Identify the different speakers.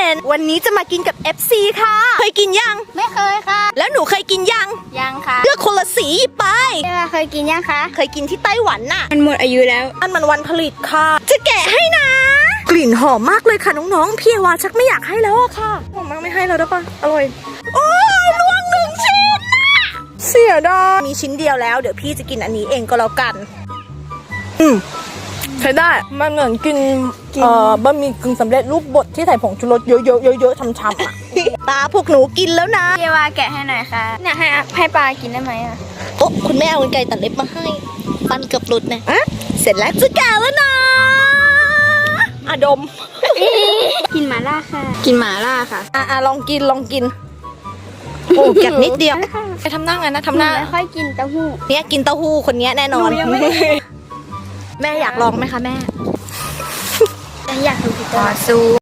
Speaker 1: นวันนี้จะมากินกับ FC ค่ะเคยกินยัง
Speaker 2: ไม่เคยค่ะ
Speaker 1: แล้วหนูเคยกินยัง
Speaker 2: ค่ะ
Speaker 1: เลือกคนละสีไป
Speaker 2: เคยกินยังคะ
Speaker 1: เคยกินที่ไต้หวันน่ะ
Speaker 2: มันหมดอายุแล้ว
Speaker 1: อันมันวันผลิตค่ะจะแกะให้นะกลิ่นหอมมากเลยค่ะน้องๆพี่วาชักไม่อยากให้แล้วอะค่ะหอมมากไม่ให้แล้วได้ปะอร่อยโอ้ยล่วง1 ชิ้นน่ะเสียดายมีชิ้นเดียวแล้วเดี๋ยวพี่จะกินอันนี้เองก็แล้วกันใช้ได้มันเหมือนกินบะหมี่กึ่งสำเร็จรูปบดที่ใส่ผงชูรสเยอะๆๆๆช้ำๆอ่ะปลาพวกหนูกินแล้วนะ
Speaker 2: พี่ว่าแกะให้หน่อยค่ะเนี่ยให้ปลากินได้ไหมอ่ะ
Speaker 1: โอ้คุณแม่เอาไก่ตัดเล็บมาให้ฟันเกือบหลุดนะเสร็จแล้วจะแกะแล้วนะดม
Speaker 2: กินหม่าล่าค่ะกินหม่าล่าค่ะ
Speaker 1: ลองกินโอ้แกะนิดเดียวไปทำหน้าไงนะทำหน้า
Speaker 2: ไม่ค่อยกินเต้าหู้
Speaker 1: เนี่ยกินเต้าหู้คนนี้แน่นอนแม่อยากลองไหมคะแม่
Speaker 2: อยากดูพี่ต่อสู้